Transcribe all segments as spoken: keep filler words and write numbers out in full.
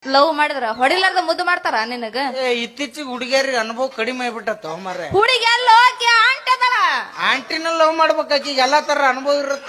Love ಮಾಡಿದ್ರ ಹೊಡಿಲಾರ್ದ ಮುದ್ದು ಮಾಡ್ತಾರ ನಿನಗ? ಇತ್ತೀಚಿಗೆ ಹುಡುಗಿಯರಿಗೆ ಅನುಭವ ಕಡಿಮೆ ಆಗ್ಬಿಟ್ಟತ್ತ ಮರ್ರೆ. ಹುಡುಗಿ ಎಲ್ಲೋ ಆಂಟಿ ಅದಲ್ಲ, ಆಂಟಿನ ಲವ್ ಮಾಡ್ಬೇಕಾಕಿ ಎಲ್ಲಾ ತರ ಅನುಭವ ಇರುತ್ತ.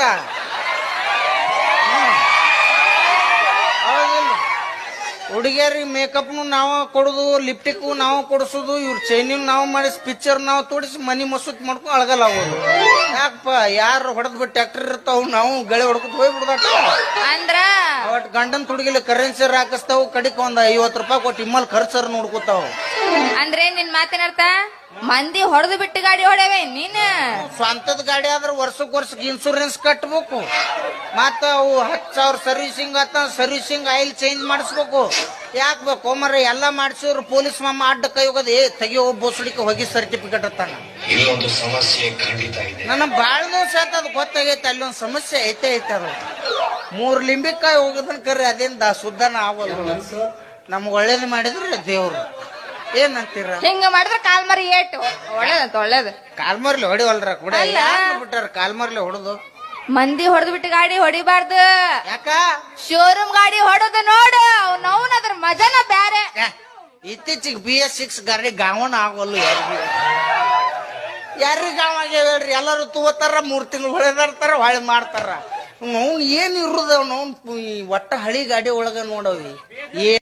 ಹುಡುಗಿಯರಿಗೆ ಮೇಕಪ್ನು ನಾವ ಕೊಡುದು, ಲಿಪ್ಟಿಕ್ ನಾವ್ ಕೊಡಿಸೋದು, ಇವ್ರ ಚೈನಿ ನಾವ್ ಮಾಡಿಸಿ, ಪಿಕ್ಚರ್ ನಾವ್ ತೋಡಿಸಿ, ಮನಿ ಮಸೂತ್ ಮಾಡ್ಕೊಂಡು ಅಳಗಲ್ಲ ಆಗೋದು. ಯಾಕಪ್ಪ ಯಾರು ಹೊಡೆದ್ ಬಿಟ್ಟು ಟ್ಯಾಕ್ಟರ್ ಇರ್ತಾವ, ನಾವು ಗಳೆ ಹೊಡ್ಕೊತ ಹೋಗ್ಬಿಡ್ದಾಟ. ಅಂದ್ರ ಅವಟ್ ಗಂಡನ್ ತುಡುಗಿಲಿ ಕರೆನ್ಸಿ ಹಾಕಿಸ್ತಾವ್, ಕಡಿಕ್ ಒಂದ್ ಐವತ್ ರೂಪಾಯಿ ಕೊಟ್ಟು ಇಮ್ಮಲ್ ಖರ್ಚರ್ ನೋಡ್ಕೊತಾವ. ಅಂದ್ರೆ ನಿನ್ ಮಾತಿನ ಅರ್ಥ ಮಂದಿ ಹೊಡೆದು ಬಿಟ್ಟು ಗಾಡಿ ಹೊಡೆವೆ ನೀನ್? ಸ್ವಂತದ ಗಾಡಿ ಆದ್ರೆ ವರ್ಷಕ್ ವರ್ಷಕ್ಕೆ ಇನ್ಸೂರೆನ್ಸ್ ಕಟ್ಬೇಕು, ಮತ್ತ ಅವು ಹತ್ತು ಸಾವಿರ ಸರ್ವಿಸಿಂಗ್ ಆತ, ಸರ್ವಿಸಿಂಗ್ ಆಯಿಲ್ ಚೇಂಜ್ ಮಾಡಿಸ್ಬೇಕು. ಯಾಕೆ ಬೇಕು ಮರ? ಎಲ್ಲಾ ಮಾಡಿಸಿದ್ರು ಪೊಲೀಸ್ ಮಾಮ ಅಡ್ಡ ಕೈ ಹೋಗೋದು, ಏ ತೆಗಿಯೋ ಬೋಸಡಿಕೆ ಹೋಗಿ ಸರ್ಟಿಫಿಕೇಟ್ ಅತ್ತಾನ. ಇಲ್ಲೊಂದು ಸಮಸ್ಯೆ ಖಂಡಿತ ಇದೆ. ನನ್ನ ಬಾಳ ದಿವಸ ಆಯ್ತು ಅದು ಗೊತ್ತಾಗೈತೆ, ಅಲ್ಲಿ ಒಂದು ಸಮಸ್ಯೆ ಐತೆ ಐತೆ. ಅದು ಮೂರ್ ಲಿಂಬಿಕಾಯಿ ಹೋಗೋದನ್ ಕರೆ ಅದೇನ್ ಸುದ್ದನ ಆಗೋಲ್ಲ. ನಮ್ಗೆ ಒಳ್ಳೇದು ಮಾಡಿದ್ರೆ ದೇವ್ರು. ಏನಂತೀರ? ಹಿಂಗ ಮಾಡಿದ್ರೆ ಕಾಲ್ ಮರಿ ಏಟು ಒಳ್ಳೇದಂತ. ಒಳ್ಳೇದು ಕಾಲ್ಮರ್ಲಿ ಹೊಡಿವಲ್ರ ಕೂಡ ಬಿಟ್ಟಾರ, ಕಾಲ್ಮರ್ಲಿ ಹೊಡೆದು ಮಂದಿ ಹೊಡೆದು ಬಿಟ್ಟು ಗಾಡಿ ಹೊಡಿಬಾರ್ದು. ಯಾಕ? ಶೋರೂಮ್ ಗಾಡಿ ಹೊಡೋದು ನೋಡು, ಅವ್ನವ್ನ ಅದ್ರ ಮಜಾನ ಬ್ಯಾರೆ. ಇತ್ತೀಚಿಗೆ ಬಿ ಎಸ್ ಸಿಕ್ಸ್ ಗಾಡಿ ಗಾವಣ ಆಗೋಲ್ಲ. ಯಾರಿಗೆ ಯಾರಿಗೆ ಗಾವ ಆಗ್ಯಾವ ಹೇಳ್ರಿ? ಎಲ್ಲರೂ ತಗೋತಾರ, ಮೂರ್ ತಿಂಗಳು ಹೊಳೆದಾಡ್ತಾರ, ಹೊಳೆ ಮಾಡ್ತಾರ. ಅವ್ನು ಏನ್ ಇರುದ? ಅವ್ನು ಒಟ್ಟ ಹಳಿ ಗಾಡಿ ಒಳಗ ನೋಡವಿ ಏನ್